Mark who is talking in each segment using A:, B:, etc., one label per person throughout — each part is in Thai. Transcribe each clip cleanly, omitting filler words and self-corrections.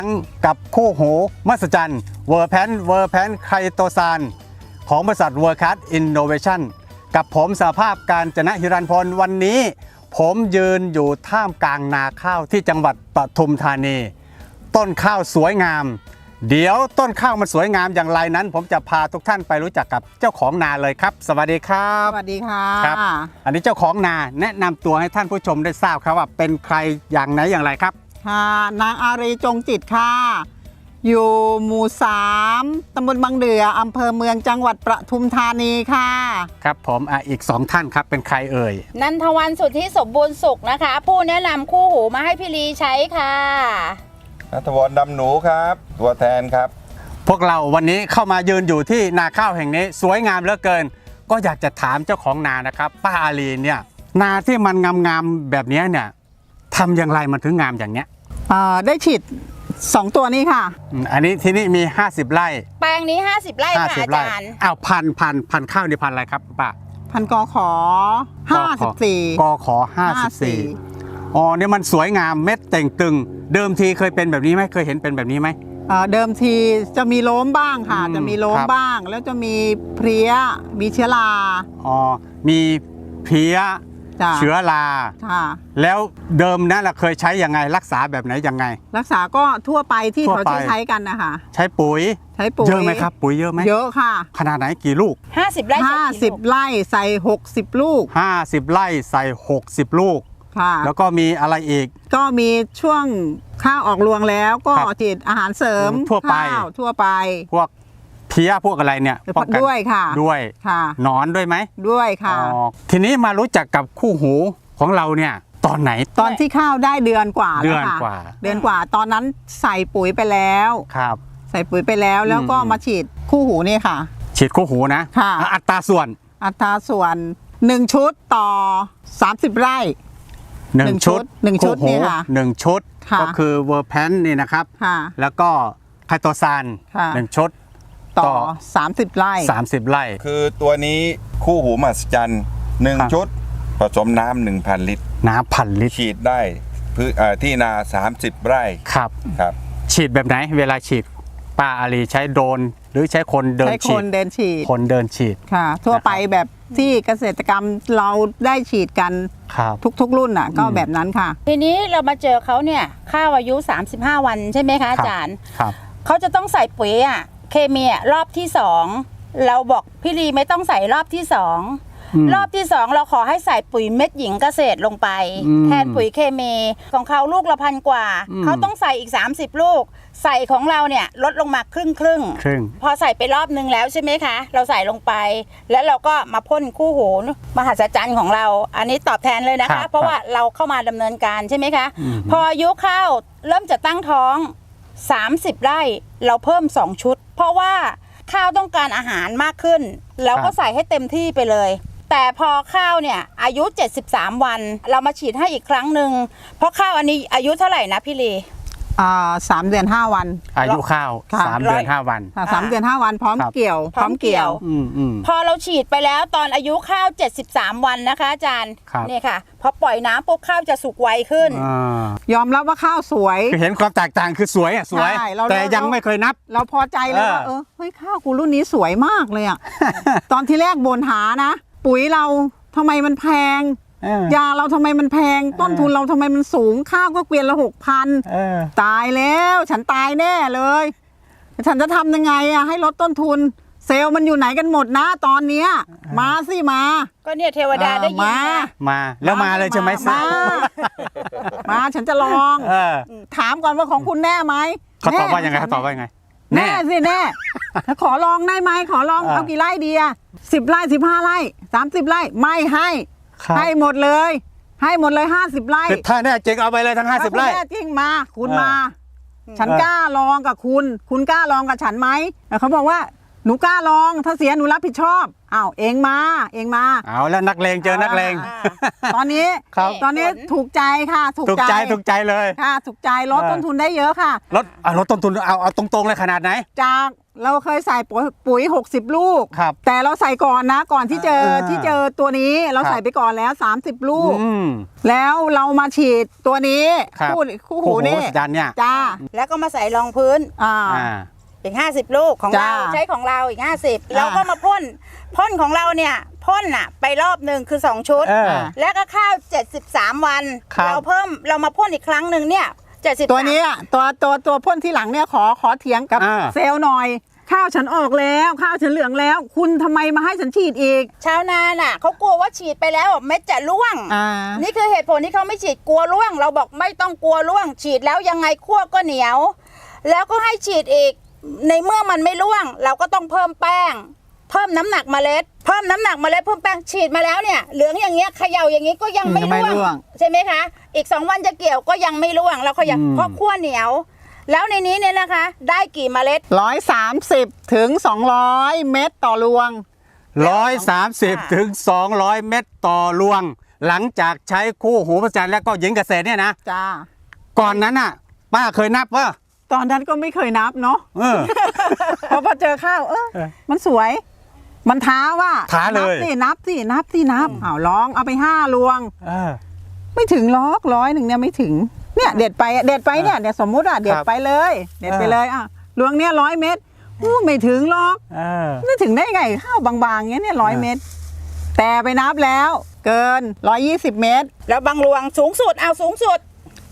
A: กับคู่หูมหัศจรรย์เวอร์แพนไคโตซานของบริษัทเวอร์คัสอินโนเวชั่นกับผมสหภาพการจนะฮิรันพลวันนี้ผมยืนอยู่ท่ามกลางนาข้าวที่จังหวัดปทุมธานีต้นข้าวสวยงามเดี๋ยวต้นข้าวมันสวยงามอย่างไรนั้นผมจะพาทุกท่านไปรู้จักกับเจ้าของนาเลยครับสวัสดีครับ
B: สวัสดีค่ะ
A: ครับอันนี้เจ้าของนาแนะนำตัวให้ท่านผู้ชมได้ทราบครับว่าเป็นใครอย่างไหนอย่างไรครับ
B: ค่ะนางอารีจงจิตค่ะอยู่หมู่3ตำบลบางเดืออำเภอเมืองจังหวัดปทุมธานีค่ะ
A: ครับผมอีก2ท่านครับเป็นใครเอ่ย
C: นันทวันสุทธิสมบูรณ์สุขนะคะผู้แนะนำคู่หูมาให้พี่ลีใช้ค่ะ
D: ณัฐวรดำหนูครับตัวแทนครับ
A: พวกเราวันนี้เข้ามายืนอยู่ที่นาข้าวแห่งนี้สวยงามเหลือเกินก็อยากจะถามเจ้าของนานะครับป้าอารีเนี่ยนาที่มันงามๆแบบนี้เนี่ยทำอย่างไรมันถึงงามอย่างเนี้ย
B: ได้ฉีด2ตัวนี้ค่ะ
A: อันนี้ที่นี่มี50ไร่
C: แปลงนี้50ไร่ค่ะอาจารย์
A: อ้าวพันข้าวนี่พันอะไรครับป้า
B: พันกขอ54
A: กขอ54อ๋อเนี่ยมันสวยงามเม็ดเต่งตึงเดิมทีเคยเป็นแบบนี้ไหมเคยเห็นเป็นแบบนี้ไหม
B: เดิมทีจะมีโล้มบ้างค่ะจะมีโล้มบ้างแล้วจะมีเพลี้ยมีเชื้อรา
A: อ๋อมีเพลี้ยเชื้อราแล้วเดิมนั้นเราเคยใช้ยังไงรักษาแบบไหนยังไง
B: รักษาก็ทั่วไปที่เขาใช้กันนะคะ
A: ใช้ปุ๋ยเยอะไหมครับปุ๋ยเยอะไหม
B: เยอะค่ะ
A: ขนาดไหนกี่ลูก
C: 50ไร่
B: 50ไร่ใส่60ลูก
A: 50ไร่ใส่60ลูกค่ะแล้วก็มีอะไรอีก
B: ก็มีช่วงข้าวออกรวงแล้วก็ฉีดอาหารเสริม
A: ทั่วไปพวกเพี้ยพวกอะไรเนี่ย
B: ด้วยค่ะ
A: ด้วยค่ะหนอนด้วยไหม
B: ด้วยค่ะ
A: ทีนี้มารู้จักกับคู่หูของเราเนี่ยตอนไหน
B: ตอนที่ข้าวได้เดือนกว่าแล้วค่ะเดือนกว่าตอนนั้นใส่ปุ๋ยไปแล้ว
A: ครับ
B: ใส่ปุ๋ยไปแล้วก็มาฉีดคู่หูนี่ค่ะ
A: ฉีดคู่หูนะ
B: ค่ะ
A: อัตราส่วน
B: 1ชุดต่อ30ไร่
A: 1ชุด
B: นี่ค่ะ
A: 1ชุดก็คือเวอร์แพนนี่นะครับแล้วก็ไคโตซาน1ชุด
B: ต่อ30ไร่
D: คือตัวนี้คู่หูมหัศจรรย์1ชุดผสมน้ำ 1,000 ลิตร
A: น้ำ1,000 ลิตร
D: ฉีดได้ที่นา30ไร่
A: ครับฉีดแบบไหนเวลาฉีดป้าอารีใช้โดรนหรือใช้คนเดินฉีด
B: คนเดินฉีดค่ะทั่วไปแบบที่เกษตรกรรมเราได้ฉีดกันทุกรุ่นน่ะก็แบบนั้นค่ะ
C: ทีนี้เรามาเจอเขาเนี่ยข้าวอายุ35วันใช่ไหมคะอาจารย์เขาจะต้องใส่ปุ๋ยเคมีรอบที่2เราบอกพี่ลีไม่ต้องใส่รอบที่2รอบที่2เราขอให้ใส่ปุ๋ยเม็ดหญิงเกษตรลงไปแทนปุ๋ยเคมีของเขาลูกละ1,000 กว่าเขาต้องใส่อีก30ลูกใส่ของเราเนี่ยลดลงมาครึ่งพอใส่ไปรอบนึงแล้วใช่ไหมคะเราใส่ลงไปแล้วเราก็มาพ่นคู่หูมหัศจรรย์ของเราอันนี้ตอบแทนเลยนะคะเพราะว่าเราเข้ามาดำเนินการใช่ไหมคะพออายุข้าวเริ่มจะตั้งท้อง30ไร่เราเพิ่ม2ชุดเพราะว่าข้าวต้องการอาหารมากขึ้นเราก็ใส่ให้เต็มที่ไปเลยแต่พอข้าวเนี่ยอายุ73วันเรามาฉีดให้อีกครั้งหนึ่งเพราะข้าวอันนี้อายุเท่าไหร่นะพี่ลี
B: 3 เดือน 5 วัน
A: อายุข้าว3 เดือน 5 วัน
B: 3 เดือน 5 วันพร้อมเกี่ยว
C: พอเราฉีดไปแล้วตอนอายุข้าว73วันนะคะอาจารย์นี่ค่ะพอปล่อยน้ำปุ๊บข้าวจะสุกไวขึ้น
B: ยอมรับว่าข้าวสวย
A: เห็นความแตกต่างคือสวยแต่ยังไม่เคยนับ
B: เราพอใจเลยว่าเฮ้ยข้าวกูรุ่นนี้สวยมากเลยตอนที่แรกบ่นหานะปุ๋ยเราทำไมมันแพงยาเราทำไมมันแพงต้นทุนเราทำไมมันสูงข้าวก็เกวียนละ6,000ตายแล้วฉันตายแน่เลยฉันจะทำยังไงให้ลดต้นทุนเซลล์มันอยู่ไหนกันหมดนะตอนเนี้ยมาสิมา
C: ก็เนี่ยเทวดาได้ยิน
A: มาแล้วมาเลยใช่ไหม
B: มาฉันจะลองถามก่อนว่าของคุณแน่ไหม
A: เขาตอบว่ายังไง
B: แน่สิแน่ขอลองได้ไหมขอลองเอากี่ไร่ดี10ไร่15ไร่30ไร่ไม่ให้หมดเลย50ไร่
A: ถ้าแน่จริงเอาไปเลยทั้ง50ไร่
B: แน่จริงมาคุณมาฉันกล้าลองกับคุณกล้าลองกับฉันไหมเขาบอกว่าหนูกล้าลองถ้าเสียหนูรับผิดชอบอ้าวเองมา
A: เอาแล้วนักเลงเจอนักเลง
B: ตอนนี้
A: ครับ
B: ตอนนี้ถูกใจค่ะถูก
A: ถูกใจเลย
B: ค่ะถูกใจลดต้นทุนได้เยอะค่ะ
A: ลดต้นทุนเอาตรงๆเลยขนาดไหน
B: จากเราเคยใส่ปุ๋ย60 ลูก
A: ครับ
B: แต่เราใส่ก่อนนะก่อนที่เจอตัวนี้เรา
A: ครับ
B: ใส่ไปก่อนแล้ว30 ลูก
A: อืม
B: แล้วเรามาฉีดตัวนี้
A: ครับ
B: คู่หูนี่
A: มหัศจรรย์เนี่ย
B: จ้า
C: แล้วก็มาใส่รองพื้น
B: อ่า
C: อีก50 ลูกของเรา
B: จ้า
C: ใช้ของเราอีก50เราก็มาพ่นของเราเนี่ยพ่นอ่ะไปรอบหนึ่งคือ2ชุด
A: เออ
C: แล้วก็ข้าว73 วัน
A: ครับ
C: เรามาพ่นอีกครั้งหนึ่งเนี่ย73
B: ตัวนี้อะตัวพ่นที่หลังเนี่ยขอเถียงกับ
A: อ่า
B: เซลล์หน่อย ข้าวฉันออกแล้วข้าวฉันเหลืองแล้ว คุณทำไมมาให้ฉันฉีดอีก
C: ชาวนาน่ะเขากลัวว่าฉีดไปแล้วเม็ดจะร่วง นี่คือเหตุผลที่เขาไม่ฉีดกลัวร่วง เราบอกไม่ต้องกลัวร่วง ฉีดแล้วยังไงคั่วก็เหนียว แล้วก็ให้ฉีดอีกในเมื่อมันไม่ร่วง เราก็ต้องเพิ่มแป้ง เพิ่มน้ำหนักเมล็ด เพิ่มน้ำหนักเมล็ดเพิ่มแป้งฉีดมาแล้วเนี่ยเหลืองอย่างเงี้ยเขย่าอย่างงี้ก็ยังไม่
B: ยังไม่ร่
C: ร่
B: ว
C: ว
B: ง
C: งใช่ไหมคะ อีก2 วันจะเกี่ยวก็ยังไม่ร่วงเราเขย่าเพราะคั่วเหนียว แล้วในนี้เนี่ยนะคะ ได้กี่เมล็ด
B: 130 ถึง 200 เม็ดต่อรวง
A: 130 ถึง 200 เม็ดต่อรวง หลังจากใช้คู่หูประจันแล้วก็หญิงเกษตรเนี่ยนะ
B: จ้า
A: ก่อนนั้นน่ะ ป้าเคยนับว่า
B: ตอนนั้นก็ไม่เคยนับเนาะ
A: เออ
B: พอเจอข้าวมันสวย มันท้าว่า
A: ท้าเลย
B: นับสิอ้าวลองเอาไป5รวง
A: เออ
B: ไม่ถึง100เนี่ยไม่ถึงเนี่ยเด็ดไปเนี่ยสมมุติเด็ดไปเลยรวงเนี่ย100 เม็ดไม่ถึงหรอก
A: เออ
B: ไม่ถึงได้ไงข้าวบางๆเงี้ยเนี่ย100 เม็ดแต่ไปนับแล้วเกิน120 เม็ด
C: แล้วบางรวงสูงสุดเอาสูงสุด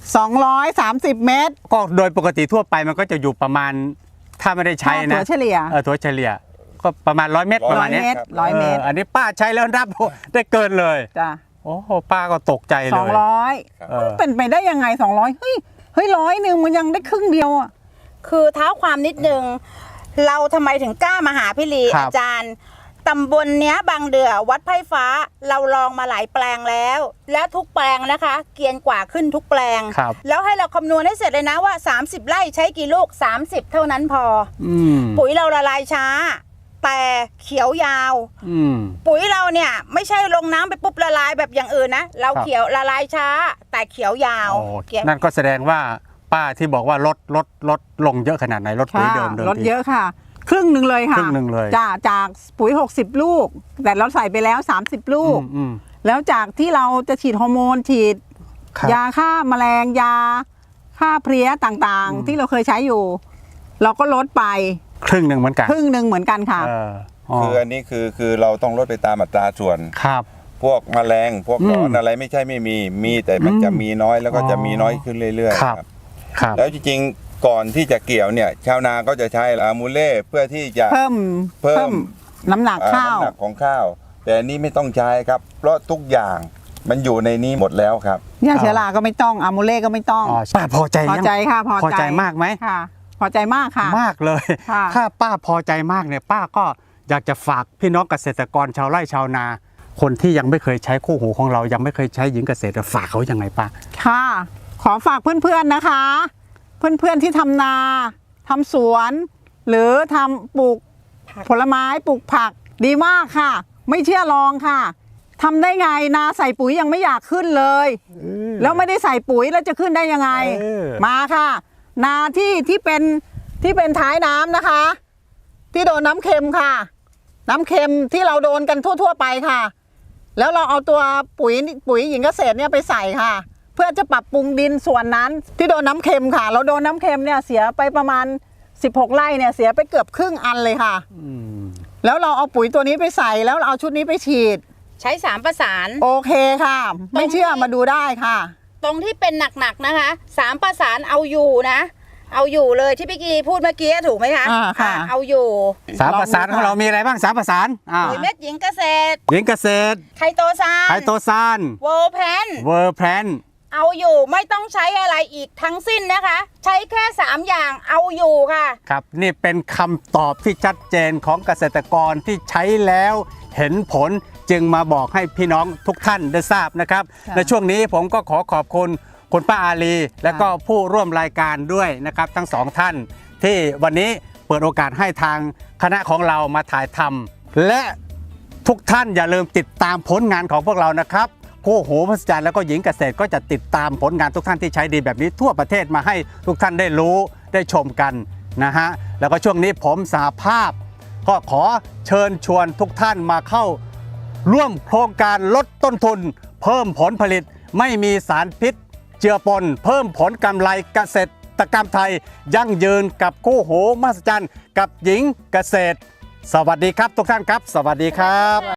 B: 230 เม็ด
A: ก็โดยปกติทั่วไปมันก็จะอยู่ประมาณ ถ้าไม่ได้ใช้นะ
B: ถั่วเฉลี่ย
A: ถั่วเฉลี่ย ก็ประมาณ100 เม็ดประมาณเนี้ย
B: 100 เม็ด
A: อันนี้ป้าใช้แล้วนับได้เกินเลย
B: จ้ะ
A: โอ้โหป้าก็ตกใจเลย
B: 200มันเป็นไปได้ยังไง200เฮ้ย100มันยังได้ครึ่งเดียวอ่ะ
C: คือเท้าความนิดนึง เราทำไมถึงกล้ามาหาพี่ลี
A: ครับ
C: อาจารย์ตำบลเนี้ยบางเดือวัดไผ่ฟ้าเราลองมาหลายแปลงแล้ว และทุกแปลงนะคะ เกรียนกว่าขึ้นทุกแปลง
A: ครับ
C: แล้วให้เราคำนวณให้เสร็จเลยนะว่า 30 ไร่ใช้กี่ลูก 30 เท่านั้นพอ
A: อืม
C: ปุ๋ยเราละลายช้า แต่เขียวยาว
A: อืม
C: ปุ๋ยเราเนี่ยไม่ใช่ลงน้ำไปปุ๊บละลายแบบอย่างอื่นนะ เรา
A: ครับ
C: เขียวละลายช้า แต่เขียวยาว
A: โอ้
C: เขียว
A: นั่นก็แสดงว่าป้าที่บอกว่าลดลงเยอะขนาดไหนลดปุ๋ยเดิม
B: ลดเยอะค่ะ ครึ่งหนึ่งเลยค่ะ
A: ครึ่งหนึ่งเลย
B: จากปุ๋ย60 ลูก แต่เราใส่ไปแล้ว30 ลูก
A: อืม
B: แล้วจากที่เราจะฉีดฮอร์โมนฉีด
A: ครับ
B: ยาฆ่าแมลงยาฆ่าเพลี้ยต่างๆ ที่เราเคยใช้อยู่ เราก็ลดไป
A: ครึ่งหนึ่งเหมือนกัน
B: ครึ่งหนึ่งเหมือนกันค่ะ
A: เอออ๋อ
D: คืออันนี้คือเราต้องลดไปตามอัตราส่วน
A: ครับ
D: พวกแมลงพวกหนอนอะไรไม่ใช่ไม่มีแต่มันจะมีน้อยแล้วก็จะมีน้อยขึ้นเรื่อยๆ
A: ครับ ครับ
D: แล้วจริงๆก่อนที่จะเกี่ยวเนี่ยชาวนาก็จะใช้อะมูเล่เพื่อที่จะ
B: เพิ่มน้ำหนักข้าว
D: น้ำหนักของข้าว แต่อันนี้ไม่ต้องใช้ครับ เพราะทุกอย่างมันอยู่ในนี้หมดแล้วครับ
B: ยาเชื้อราก็ไม่ต้องอะมูเล่ก็ไม่ต้อง
A: อ๋อป้าพอใจ
B: พอ
A: ยัง
B: ใจค่ะ
A: พอใจมากไหม
B: ค่ะ พอใจมากค่ะ
A: มากเลย
B: ค่ะ
A: ถ้าป้าพอใจมากเนี่ยป้าก็อยากจะฝากพี่น้องเกษตรกรชาวไร่ชาวนา คนที่ยังไม่เคยใช้คู่หูของเรายังไม่เคยใช้หญิงเกษตรฝากเขายังไงป้า
B: ค่ะ ขอฝากเพื่อนๆนะคะ เพื่อนๆที่ทำนาทำสวน หรือทำปลูกผลไม้ปลูกผักดีมากค่ะ ไม่เชื่อลองค่ะทำได้ไงนาใส่ปุ๋ยยังไม่อยากขึ้นเลย แล้วไม่ได้ใส่ปุ๋ยแล้วจะขึ้นได้ยังไง มาค่ะ นาที่เป็นท้ายน้ำนะคะ ที่โดนน้ำเค็มค่ะ น้ำเค็มที่เราโดนกันทั่วๆไปค่ะ แล้วเราเอาตัวปุ๋ยหญิงเกษตรเนี่ยไปใส่ค่ะ เพื่อจะปรับปรุงดินส่วนนั้นที่โดนน้ำเค็มค่ะ เราโดนน้ำเค็มเนี่ยเสียไปประมาณ16 ไร่เนี่ยเสียไปเกือบครึ่งอันเลยค่ะ แล้วเราเอาปุ๋ยตัวนี้ไปใส่แล้วเราเอาชุดนี้ไปฉีด
C: ใช้3ประสาน
B: โอเคค่ะ ไม่เชื่อมาดูได้ค่ะ
C: ตรงที่เป็นหนักๆนะคะ3ประสานเอาอยู่นะ เอาอยู่เลยที่พี่กีพูดเมื่อกี้ถูกไหมคะ
B: ค่ะ
C: เอาอยู่
A: สามประสานของเรามีอะไรบ้างสามประสาน
C: ปุ๋ยเม็ดหญิงเกษตร
A: หญิงเกษตร
C: ไคโตซาน
A: ไคโตซาน
C: เวอร์แพน
A: เวอร์แพน
C: เอาอยู่ไม่ต้องใช้อะไรอีกทั้งสิ้นนะคะ ใช้แค่3อย่างเอาอยู่ค่ะ
A: ครับนี่เป็นคำตอบที่ชัดเจนของเกษตรกรที่ใช้แล้วเห็นผลจึงมาบอกให้พี่น้องทุกท่านได้ทราบนะครับ
B: ค่ะ
A: ในช่วงนี้ผมก็ขอบคุณคุณป้าอาลีและก็ผู้ร่วมรายการด้วยนะครับทั้งสองท่านที่วันนี้เปิดโอกาสให้ทางคณะของเรามาถ่ายทำและทุกท่านอย่าลืมติดตามผลงานของพวกเรานะครับคู่หูมหัศจรรย์แล้วก็หญิงเกษตรก็จะติดตามผลงานทุกท่านที่ใช้ดีแบบนี้ทั่วประเทศมาให้ทุกท่านได้รู้ได้ชมกันนะฮะแล้วก็ช่วงนี้ผมสหภาพก็ขอเชิญชวนทุกท่านมาเข้าร่วมโครงการลดต้นทุนเพิ่มผลผลิตไม่มีสารพิษเจือปนเพิ่มผลกำไรเกษตรกรรมไทยยั่งยืนกับคู่หูมหัศจรรย์กับหญิงเกษตรสวัสดีครับทุกท่านครับสวัสดีครับ